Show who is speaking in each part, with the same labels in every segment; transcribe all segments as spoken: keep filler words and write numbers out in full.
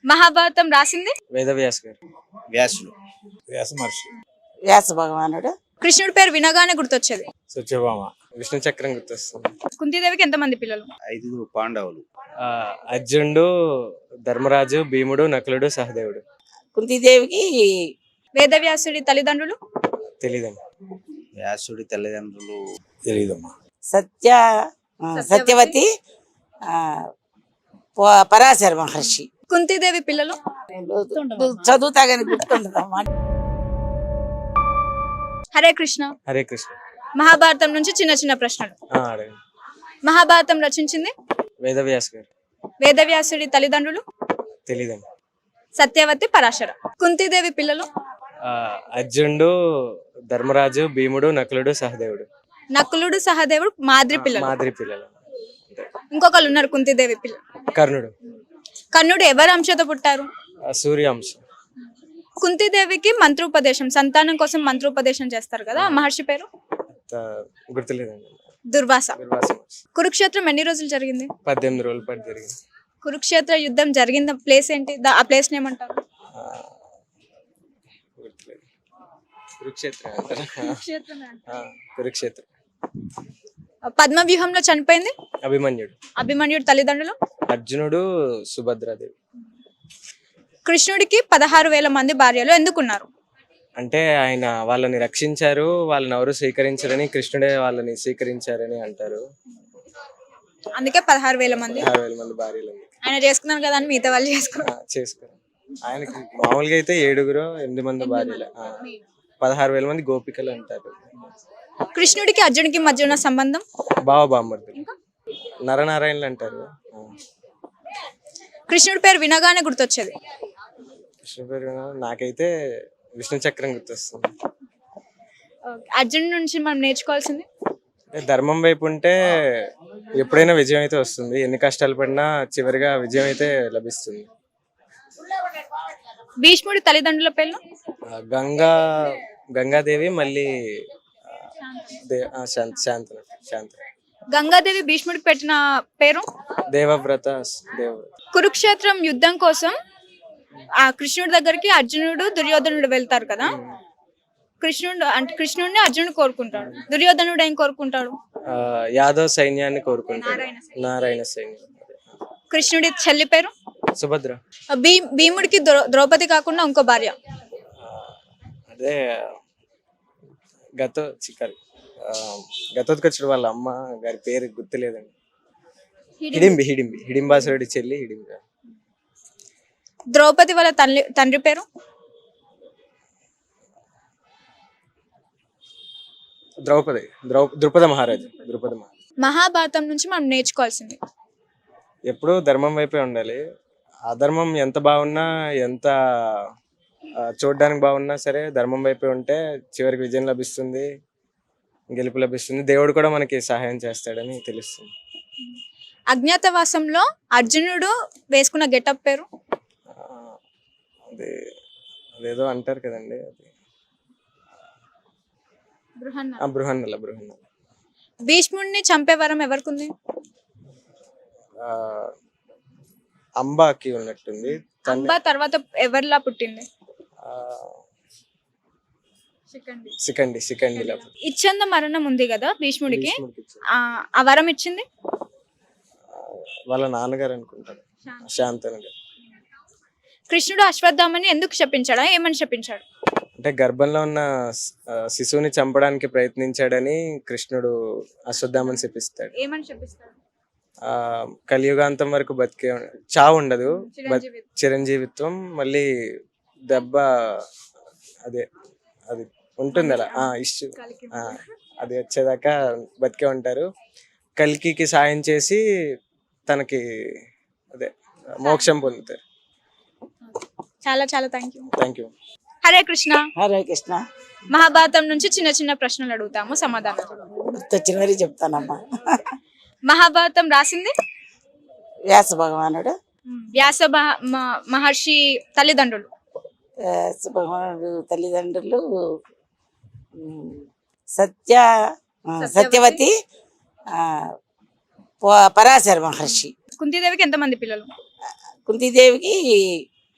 Speaker 1: మహాభారతం రాసింది
Speaker 2: వేదవ్యాస్ గారు.
Speaker 3: వ్యాసుడు.
Speaker 4: వ్యాస మహర్షి.
Speaker 5: వ్యాస భగవానుడు.
Speaker 1: కృష్ణుడి పేరు వినగానే గుర్తొచ్చేది.
Speaker 4: సత్యభామ.
Speaker 2: విష్ణు చక్రం గుర్తొస్తుంది.
Speaker 1: కుంతీదేవికి ఎంతమంది పిల్లలు?
Speaker 3: ఐదుగురు పాండవులు.
Speaker 2: ఆ, అర్జునుడు, ధర్మరాజు, భీముడు, నకులుడు, సహదేవుడు.
Speaker 5: కుంతీదేవికి
Speaker 1: వేదవ్యాసుడి తల్లిదండ్రులు?
Speaker 2: తెలీదండి.
Speaker 3: వ్యాసుడి తల్లిదండ్రులు
Speaker 4: తెలియదమ్మా.
Speaker 5: సత్య ఆ, సత్యవతి ఆ, ప- పరాశర మహర్షి.
Speaker 1: కుంతీదేవి పిల్లలు?
Speaker 5: చదువుతా గాని గుర్తుండదమ్మా.
Speaker 1: హరే కృష్ణ.
Speaker 2: హరే కృష్ణ.
Speaker 1: మహాభారతం నుంచి చిన్న చిన్న ప్రశ్నలు.
Speaker 2: ఆ, అడగండి.
Speaker 1: మహాభారతం రచించింది?
Speaker 2: వేదవ్యాస్ గారు.
Speaker 1: వేదవ్యాసుడి తల్లిదండ్రులు?
Speaker 2: తెలీదండి.
Speaker 1: సత్యవతి, పరాశర. కుంతీదేవి పిల్లలు?
Speaker 2: ఆ, అర్జునుడు, ధర్మరాజు, భీముడు, నకులుడు, సహదేవుడు.
Speaker 1: నకులుడు, సహదేవుడు మాద్రి పిల్లలు.
Speaker 2: మాదిరి పిల్లలు. అంతే.
Speaker 1: ఇంకొకళ్ళు ఉన్నారు కుంతీదేవి పిల్లలు.
Speaker 2: కర్ణుడు.
Speaker 1: కర్ణుడు ఎవరి అంశతో పుట్టారు?
Speaker 2: ఆ, సూర్యాంశ.
Speaker 1: కుంతీదేవికి మంత్రోపదేశం, సంతానం కోసం మంత్రోపదేశం చేస్తారు కదా, ఆ మహర్షి పేరు?
Speaker 2: ఆ, గుర్తులేదండి.
Speaker 1: దుర్వాస.
Speaker 2: దుర్వాస మహర్షి.
Speaker 1: కురుక్షేత్రం ఎన్ని రోజులు జరిగింది?
Speaker 2: పద్దెనిమిది రోజుల పాటు జరిగింది.
Speaker 1: కురుక్షేత్ర యుద్ధం జరిగిన ప్లేస్ ఏంటి? దా- ఆ ప్లేస్ ఏమంటారు?
Speaker 2: ఆ, గుర్తులేదు. కురుక్షేత్రం అంటారా? ఆ, కురుక్షేత్రం.
Speaker 1: పద్మవ్యూహంలో చనిపోయింది
Speaker 2: అభిమన్యుడు.
Speaker 1: అభిమన్యుడు తల్లిదండ్రులు?
Speaker 2: అర్జునుడు, సుభద్రాదేవి.
Speaker 1: కృష్ణుడికి పదహారు వేల మంది భార్యలు ఎందుకున్నారు?
Speaker 2: అంటే ఆయన వాళ్ళని రక్షించారు, వాళ్ళని ఎవరు స్వీకరించారని, కృష్ణుడే వాళ్ళని స్వీకరించారని అంటారు.
Speaker 1: అందుకే పదహారు వేల మంది.
Speaker 2: ఆరు వేల మంది భార్యలు ఉంది.
Speaker 1: ఆయన చేసుకున్నారు కదా అని మిగతా వాళ్ళు చేసుకున్నారు.
Speaker 2: ఆ, చేసుకో. ఆయనకి మామూలుగా అయితే ఏడుగురు ఎనిమిది మంది భార్యలు. ఆ, పదహారు వేల మంది గోపికలు అంటారు.
Speaker 1: కృష్ణుడికి అర్జునుడికి మధ్య ఉన్న సంబంధం?
Speaker 2: బావ బామ్మర్దులు, నరనారాయణలు అంటారు. ఆ,
Speaker 1: కృష్ణుడి పేరు వినగానే గుర్తొచ్చేది.
Speaker 2: కృష్ణ పేరు నాకైతే విష్ణు చక్రం గుర్తొస్తుంది.
Speaker 1: అర్జునుడి నుంచి మనం నేర్చుకోవాల్సింది?
Speaker 2: అంటే ధర్మం వైపు ఉంటే ఎప్పుడైనా విజయం అయితే వస్తుంది. ఎన్ని కష్టాలు పడినా చివరిగా విజయం అయితే లభిస్తుంది.
Speaker 1: భీష్ముడి తల్లిదండ్రుల పేర్లు?
Speaker 2: ఆ, గంగా గంగాదేవి, మళ్ళీ ఆ, దే- ఆ, శాంత శాంతన శాంత
Speaker 1: గంగాదేవి భీష్ముడికి పెట్టిన పేరు?
Speaker 2: దేవవ్రత దేవవ్రత.
Speaker 1: కురుక్షేత్రం యుద్ధం కోసం ఆ కృష్ణుడి దగ్గరికి అర్జునుడు, దుర్యోధనుడు వెళ్తారు కదా. కృష్ణుడు అంటే కృష్ణుడిని అర్జునుడు కోరుకుంటాడు, దుర్యోధనుడు ఏం కోరుకుంటాడు?
Speaker 2: ఆ, యాదవ్ సైన్యాన్ని కోరుకుంటాడు.
Speaker 1: నారాయణ సైన్యం.
Speaker 2: నారాయణ సైన్యం.
Speaker 1: కృష్ణుడి చెల్లి పేరు?
Speaker 2: సుభద్ర.
Speaker 1: భీ భీముడికి ద్రౌ ద్రౌపది కాకుండా ఇంకో భార్య?
Speaker 2: ఆ, అదే గత చిక్కరి గతోత్కచుడు వాళ్ళ అమ్మ గారి పేరు గుర్తులేదండి. హిడింబి హిడింబి హిడింబాసురుడి చెల్లి హిడింబి.
Speaker 1: ద్రౌపది వాళ్ళ తల్లి తండ్రి పేరు?
Speaker 2: ద్రౌపది ద్రౌ ద్రుపద మహారాజు ద్రుపద మహారాజు.
Speaker 1: మహాభారతం నుంచి మనం నేర్చుకోవాల్సింది?
Speaker 2: ఎప్పుడూ ధర్మం వైపే ఉండాలి. అధర్మం ఎంత బాగున్నా, ఎంత ఆ, చూడ్డానికి బాగున్నా సరే ధర్మం వైపే ఉంటే చివరికి విజయం లభిస్తుంది, గెలుపు లభిస్తుంది. దేవుడు కూడా మనకి సహాయం చేస్తాడని తెలుస్తుంది.
Speaker 1: అజ్ఞాతవాసంలో అర్జునుడు వేసుకున్న గెటప్ పేరు?
Speaker 2: ఆ, అదే అదేదో అంటారు కదండి, అది ఆ, బృహన్నల బృహన్నల.
Speaker 1: భీష్ముడిని చంపే వరం ఎవరికుంది?
Speaker 2: ఆ, అంబాకి ఉన్నట్టుంది.
Speaker 1: అంబ తర్వాత ఎవరిలా పుట్టింది?
Speaker 2: ఆ, సికండి సికండిలా.
Speaker 1: ఇచ్చంద మరణం ఉంది కదా భీష్ముడికి,
Speaker 2: భీష్ముడికి ఇచ్చారు.
Speaker 1: ఆ ఆ వరం ఇచ్చింది
Speaker 2: వాళ్ళ నాన్నగారు అనుకుంటారు, శాంతను గారు.
Speaker 1: కృష్ణుడు అశ్వత్థామని ఎందుకు శపించాడా, ఏమని శపించాడు?
Speaker 2: అంటే గర్భంలో ఉన్న ఆ, శిశువుని చంపడానికి ప్రయత్నించాడని కృష్ణుడు అశ్వత్థామని శపిస్తాడు.
Speaker 1: ఏమని శపిస్తాడు?
Speaker 2: ఆ, కలియుగాంతం వరకు బతికే చావు ఉండదు, బత్-
Speaker 1: చిరంజీవి.
Speaker 2: చిరంజీవిత్వం, మళ్ళీ దెబ్బ అదే అది ఉంటుంది అలా ఆ ఇష్యూ ఆ, అది వచ్చేదాకా బతికే ఉంటారు. కల్కికి సాయం చేసి తనకి అదే మోక్షం పొందుతారు.
Speaker 1: చాలా చాలా thank you.
Speaker 2: Thank you.
Speaker 1: Hare Krishna.
Speaker 5: Hare Krishna.
Speaker 1: మహాభారతం నుంచి చిన్న చిన్న ప్రశ్నలు అడుగుతాము, సమాధానం చెప్పండి.
Speaker 5: గుర్తొచ్చిన మరి చెప్తానమ్మా.
Speaker 1: మహాభారతం రాసింది?
Speaker 5: వ్యాస భగవానుడు.
Speaker 1: వ్యాస మహ- మ- మహర్షి తల్లిదండ్రులు?
Speaker 5: వ్యాస భగవానుడు తల్లిదండ్రులు ఉమ్, సత్య ఆ, సత్యవతి ఆ, ప- పరాశర మహర్షి.
Speaker 1: కుంతీదేవికి ఎంతమంది పిల్లలు?
Speaker 5: కుంతీదేవికి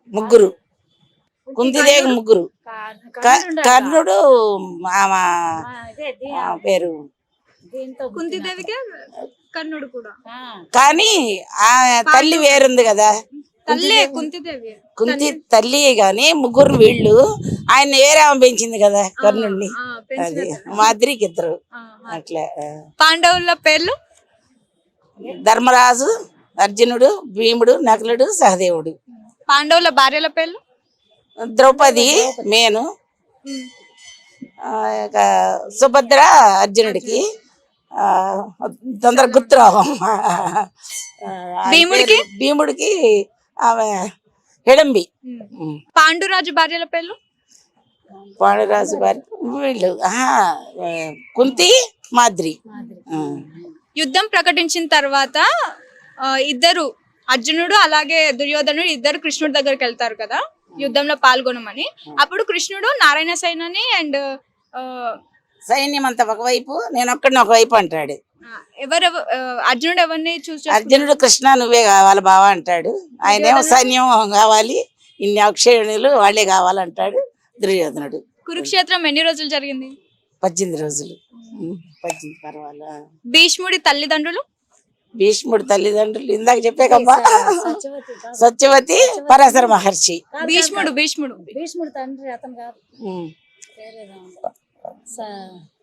Speaker 5: ముగ్గురు కుంతిదేవి ముగ్గురు క- కర్ణుడు ఆమె ఆ పేరు
Speaker 1: కుంతిదేవికి కర్ణుడు కూడా
Speaker 5: కానీ ఆ తల్లి వేరుంది కదా,
Speaker 1: తల్లే కుంతిదేవి.
Speaker 5: కుంతి తల్లి గాని ముగ్గురు వీళ్ళు, ఆయన వేరేమ పెంచింది కదా కర్ణుడిని.
Speaker 1: ఆ, పెంచిన
Speaker 5: అది
Speaker 1: తల్లి.
Speaker 5: మాదిరికి ఇద్దరు
Speaker 1: ఆ, ఆ.
Speaker 5: అట్లా. ఆ.
Speaker 1: పాండవుల పేర్లు
Speaker 5: ధర్మరాజు, అర్జునుడు, భీముడు, నకులుడు, సహదేవుడు.
Speaker 1: పాండవుల భార్యల పేర్లు
Speaker 5: ద్రౌపది మేను, ఆ, ఇక సుభద్ర అర్జునుడికి, ఆ, తొందర గుర్తురావం.
Speaker 1: భీముడికి?
Speaker 5: భీముడికి ఆమె హిడంబి.
Speaker 1: పాండురాజు భార్యల పేర్లు
Speaker 5: పాండురాజు వారి వీళ్ళు ఆహా, ఆ, కుంతి మాద్రి. ఆ.
Speaker 1: యుద్ధం ప్రకటించిన తర్వాత ఆ, ఇద్దరు అర్జునుడు అలాగే దుర్యోధనుడు ఇద్దరు కృష్ణుడి దగ్గరికి వెళ్తారు కదా యుద్ధంలో పాల్గొనమని. అప్పుడు కృష్ణుడు నారాయణ సైన్యాన్ని అండ్
Speaker 5: సైన్యం అంతా ఒకవైపు, నేను ఒక్కడిని ఒకవైపు అంటాడు.
Speaker 1: ఎవరెవ ఆ, అర్జునుడు ఎవరిని చూసి
Speaker 5: అర్జునుడు కృష్ణ నువ్వే కావాలి బావా అంటాడు. ఆయనేమో సైన్యం కావాలి, ఇన్ని అక్షయుణులు వాళ్ళే కావాలంటాడు దుర్యోధనుడు.
Speaker 1: కురుక్షేత్రం ఎన్ని రోజులు జరిగింది?
Speaker 5: పద్దెనిమిది రోజులు. ఉం, పద్దెనిమిది పర్వాలా.
Speaker 1: భీష్ముడి తల్లిదండ్రులు
Speaker 5: భీష్ముడు తల్లిదండ్రులు ఇందాక చెప్పాకమ్మా, సత్యవతి పరాశర మహర్షి.
Speaker 1: భీష్ముడు భీష్ముడు
Speaker 6: భీష్ముడు తండ్రి అతను కాదు,
Speaker 5: ఉం.
Speaker 6: పేరేదో ఉంది. స-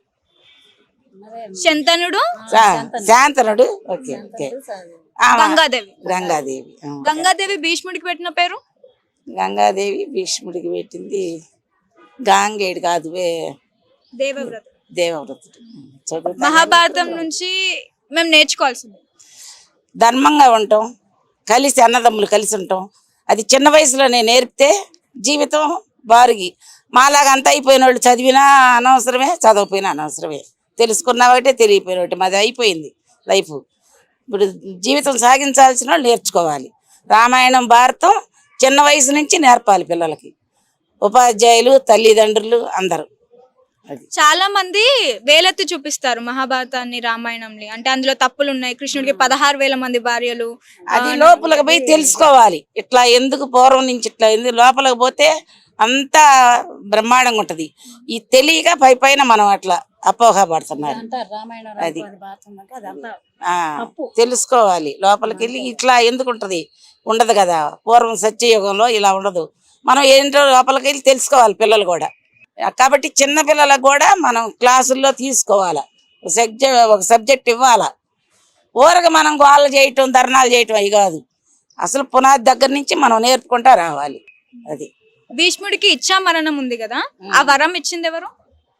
Speaker 6: మరే
Speaker 1: శంతనుడు
Speaker 5: శా- శాంతనుడు. Okay okay. ఆమె
Speaker 1: గంగాదేవి
Speaker 5: గంగాదేవి. ఆ.
Speaker 1: గంగాదేవి భీష్ముడికి పెట్టిన పేరు
Speaker 5: గంగాదేవి భీష్ముడికి పెట్టింది గాంగేయుడు కాదు, వే-
Speaker 1: దేవవ్రత.
Speaker 5: దేవవ్రతుడు. చదువుతా
Speaker 1: మహాభారతం నుంచి మేము నేర్చుకోవాల్సింది
Speaker 5: ధర్మంగా ఉంటాం, కలిసి అన్నదమ్ములు కలిసి ఉంటాం. అది చిన్న వయసులోనే నేర్పితే జీవితం బారుగి. మాలాగా అంత అయిపోయిన వాళ్ళు చదివినా అనవసరమే, చదవపోయినా అనవసరమే. తెలుసుకున్నా ఒకటే, తెలియపోయిన ఒకటి. మాది అయిపోయింది లైఫ్. ఇప్పుడు జీవితం సాగించాల్సిన వాళ్ళు నేర్చుకోవాలి. రామాయణం భారతం చిన్న వయసు నుంచి నేర్పాలి పిల్లలకి, ఉపాధ్యాయులు, తల్లిదండ్రులు అందరూ. అది
Speaker 1: చాలా మంది వేలెత్తి చూపిస్తారు మహాభారతాన్ని రామాయణంని, అంటే అందులో తప్పులు ఉన్నాయి. కృష్ణుడికి పదహారు వేల మంది భార్యలు.
Speaker 5: అది లోపలికి పోయి తెలుసుకోవాలి. ఇట్లా ఎందుకు పూర్వం నుంచి ఇట్లా ఎందుకు లోపలికి పోతే అంతా బ్రహ్మాండంగా ఉంటది. ఈ తెలియక పై పైన మనం అట్లా అపోహ పడుతున్నారు.
Speaker 6: అంటారు రామాయణం
Speaker 5: అది.
Speaker 6: రామాయణం భారతం అంటే అదంతా
Speaker 5: ఆ
Speaker 6: తప్పు.
Speaker 5: తెలుసుకోవాలి. లోపలికి వెళ్ళి ఇట్లా ఎందుకు ఉంటది, ఉండదు కదా. పూర్వం సత్యయుగంలో ఇలా ఉండదు. మనం ఏంటో లోపలికి వెళ్ళి తెలుసుకోవాలి పిల్లలు కూడా. కాబట్టి చిన్న పిల్లలకు కూడా మనం క్లాసుల్లో తీసుకోవాలా, సబ్జెక్ట్ ఒక సబ్జెక్ట్ ఇవ్వాలా. ఊరగా మనం గోళ్ళు చేయటం, ధర్నాలు చేయటం అవి కాదు. అసలు పునాది దగ్గర నుంచి మనం నేర్పుకుంటా రావాలి. అది
Speaker 1: భీష్ముడికి ఇచ్చా మరణం ఉంది కదా, ఆ వరం ఇచ్చింది ఎవరు?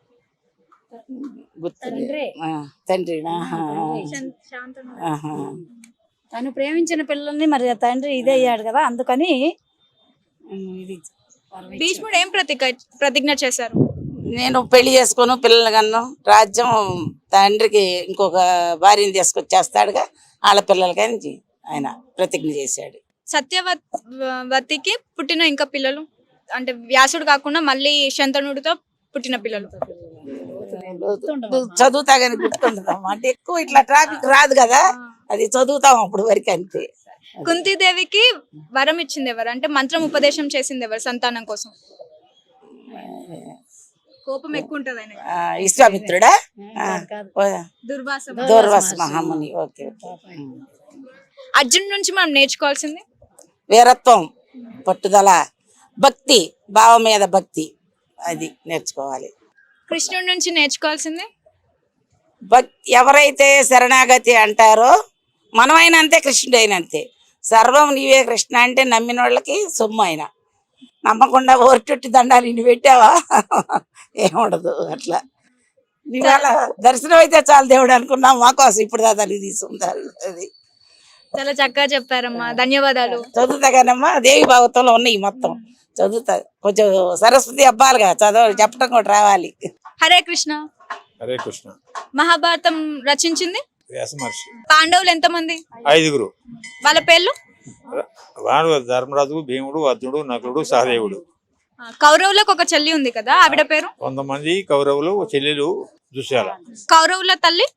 Speaker 5: గుర్తు
Speaker 6: తండ్రే.
Speaker 5: తండ్రి.
Speaker 6: తను ప్రేమించిన పిల్లల్ని మరి ఆ తండ్రి ఇదే అయ్యాడు కదా, అందుకని ఇది వరం ఇచ్చాడు.
Speaker 1: భీష్ముడు ఏం ప్రతిజ్ఞ ప్రతిజ్ఞ చేశారు?
Speaker 5: నేను పెళ్లి చేసుకోను, పిల్లలు కన్ను, రాజ్యం తండ్రికి ఇంకొక భార్యని తీసుకొచ్చేస్తాడుగా, వాళ్ళ పిల్లలకని ఆయన ప్రతిజ్ఞ చేశాడు.
Speaker 1: సత్యవతికి పుట్టిన ఇంకా పిల్లలు, అంటే వ్యాసుడు కాకుండా మళ్ళీ శంతనుడితో పుట్టిన పిల్లలు.
Speaker 5: చదువుతా కానీ గుర్తుండదమ్మా. అంటే ఎక్కువ ఇట్లా ట్రాఫిక్ రాదు కదా, అది చదువుతాం అప్పుడు వరకు అంతే.
Speaker 1: కుంతీదేవికి వరం ఇచ్చింది ఎవరు, అంటే మంత్రం ఉపదేశం చేసింది ఎవరు సంతానం కోసం? కోపం ఎక్కువ ఉంటది ఆయన.
Speaker 5: ఆ, విశ్వామిత్రుడా? ఆ, ఓ,
Speaker 1: దుర్వాస.
Speaker 5: దూర్వాస మహాముని. Okay okay.
Speaker 1: అర్జున్ నుంచి మనం నేర్చుకోవాల్సింది
Speaker 5: వీరత్వం, పట్టుదల, భక్తి, భావం మీద భక్తి, అది నేర్చుకోవాలి.
Speaker 1: కృష్ణుడి నుంచి నేర్చుకోవాల్సింది
Speaker 5: భక్తి. ఎవరైతే శరణాగతి అంటారో మనమైనా అంతే, కృష్ణుడు అయినా అంతే. సర్వం నీవే కృష్ణ అంటే నమ్మిన వాళ్ళకి సొమ్ము. అయినా నమ్మకుండా ఓర్చుట్టి దండాలు ఇన్ని పెట్టావా ఏముండదు. అట్లా ఇవాళ దర్శనం అయితే చాలు దేవుడు అనుకున్నాం, మా కోసం ఇప్పుడు దాదాపు తీసుకుంటారు. అది
Speaker 1: చాలా చక్కగా చెప్పారమ్మా, ధన్యవాదాలు.
Speaker 5: చదువుతా కానమ్మా, దేవి భాగవతంలో ఉన్నాయి మొత్తం చదువుతా. కొంచెం సరస్వతి అబ్బాలుగా చదవ చెప్పడం కూడా రావాలి.
Speaker 1: హరే కృష్ణ.
Speaker 4: హరే కృష్ణ.
Speaker 1: మహాభారతం రచించింది
Speaker 4: వ్యాస మహర్షి.
Speaker 1: పాండవులు ఎంతమంది?
Speaker 4: ఐదుగురు.
Speaker 1: వాళ్ళ పేర్లు?
Speaker 4: వాడు ధర్మరాజు, భీముడు, అర్జునుడు, నకులుడు, సహదేవుడు.
Speaker 1: ఆ, కౌరవులకు ఒక చెల్లి ఉంది కదా, ఆవిడ పేరు?
Speaker 4: కొంతమంది కౌరవులు, చెల్లెలు దుశ్శాల.
Speaker 1: కౌరవుల తల్లి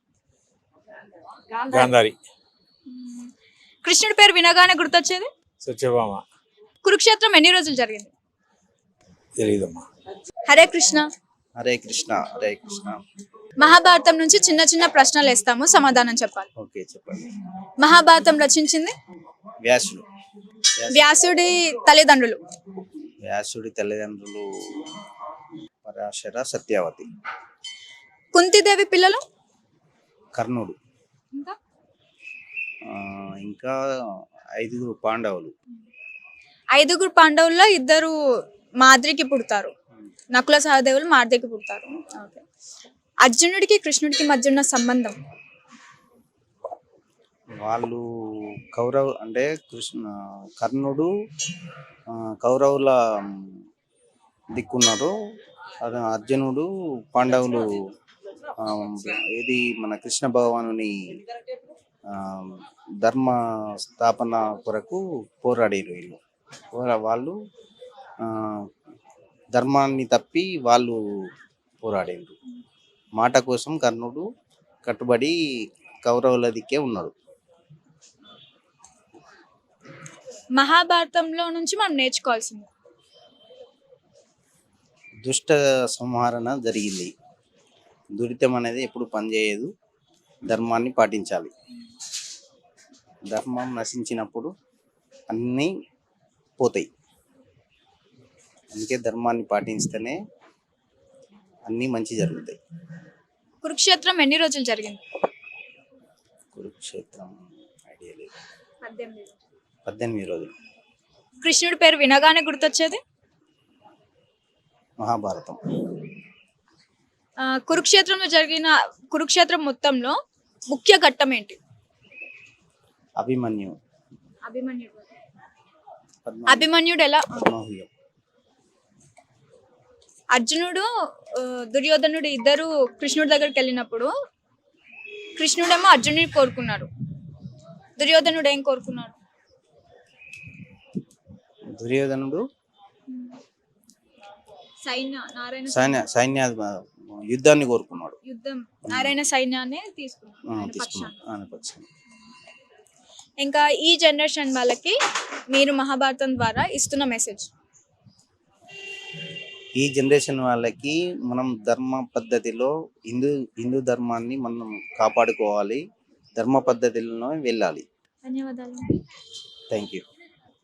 Speaker 4: గాంధారి.
Speaker 1: కృష్ణుడి పేరు వినగానే గుర్తొచ్చేది?
Speaker 4: సత్యభామ.
Speaker 1: కురుక్షేత్రం ఎన్ని రోజులు జరిగింది?
Speaker 4: తెలియదమ్మా.
Speaker 1: హరే కృష్ణ.
Speaker 3: హరే కృష్ణ హరే కృష్ణ.
Speaker 1: మహాభారతం నుంచి చిన్న చిన్న ప్రశ్నలు వేస్తాము, సమాధానం చెప్పాలి.
Speaker 3: ఓకే చెప్పండి.
Speaker 1: మహాభారతం రచించింది
Speaker 3: వ్యాసుడు.
Speaker 1: వ్యాసుడి తల్లిదండ్రులు.
Speaker 3: వ్యాసుడి తల్లిదండ్రులు పరాశర సత్యవతి.
Speaker 1: కుంతిదేవి పిల్లలు
Speaker 3: కర్ణుడు.
Speaker 1: ఇంకా
Speaker 3: ఆ, ఇంకా ఐదుగురు పాండవులు.
Speaker 1: ఐదుగురు పాండవుల్లో ఇద్దరు మాద్రికి పుడతారు, నకుల సహదేవులు మాద్రికి పుడతారు. ఓకే. అర్జునుడికి కృష్ణుడికి మధ్య ఉన్న సంబంధం?
Speaker 3: వాళ్ళు కౌరవ్ అంటే కృష్ణ కర్ణుడు ఆ, కౌరవుల దిక్కున్నారు. అది అర్జునుడు పాండవులు ఆ, ఏది మన కృష్ణ భగవానుని ఆ, ధర్మ స్థాపన కొరకు పోరాడారు వీళ్ళు. పోరా- వాళ్ళు ఆ, ధర్మాన్ని తప్పి వాళ్ళు పోరాడారు. మాట కోసం కర్ణుడు కట్టుబడి కౌరవుల దిక్కే ఉన్నాడు.
Speaker 1: మహాభారతంలో నుంచి మనం నేర్చుకోవాల్సింది?
Speaker 3: దుష్ట సంహరణ జరిగింది. దురితం అనేది ఎప్పుడు పనిచేయదు. ధర్మాన్ని పాటించాలి. ధర్మం నశించినప్పుడు అన్నీ పోతాయి. అందుకే ధర్మాన్ని పాటిస్తేనే అన్నీ మంచి జరుగుతాయి.
Speaker 1: కురుక్షేత్రం ఎన్ని రోజులు జరిగింది?
Speaker 3: కురుక్షేత్రం ఐడియా లేదు.
Speaker 1: పద్దెనిమిది.
Speaker 3: పద్దెనిమిది రోజులు.
Speaker 1: కృష్ణుడి పేరు వినగానే గుర్తొచ్చేది?
Speaker 3: మహాభారతం.
Speaker 1: ఆ, కురుక్షేత్రంలో జరిగిన కురుక్షేత్రం మొత్తంలో ముఖ్య ఘట్టం ఏంటి?
Speaker 3: అభిమన్యు.
Speaker 1: అభిమన్యుడు.
Speaker 3: పద్మ
Speaker 1: అభిమన్యుడు ఎలా?
Speaker 3: పద్మవ్యూహం.
Speaker 1: అర్జునుడు ఆ, దుర్యోధనుడు ఇద్దరు కృష్ణుడి దగ్గరికి వెళ్ళినప్పుడు కృష్ణుడేమో అర్జునుడిని కోరుకున్నాడు, దుర్యోధనుడు ఏం కోరుకున్నాడు?
Speaker 3: దుర్యోధనుడు
Speaker 1: సైన్య నారాయణ
Speaker 3: సైన్య సైన్య యుద్ధాన్ని కోరుకున్నాడు.
Speaker 1: యుద్ధం నారాయణ సైన్యాన్ని తీసుకున్నాడు
Speaker 3: ఆ,
Speaker 1: ఆయన
Speaker 3: తీసుకున్నాడు.
Speaker 1: పక్షాన.
Speaker 3: ఆయన పక్షాన.
Speaker 1: ఇంకా ఈ జనరేషన్ వాళ్ళకి మీరు మహాభారతం ద్వారా ఇస్తున్న మెసేజ్?
Speaker 3: ఈ జనరేషన్ వాళ్ళకి మనం ధర్మ పద్ధతిలో హిందూ హిందూ ధర్మాన్ని మనం కాపాడుకోవాలి. ధర్మ పద్ధతిలో వెళ్ళాలి.
Speaker 1: ధన్యవాదాలు.
Speaker 3: Thank you.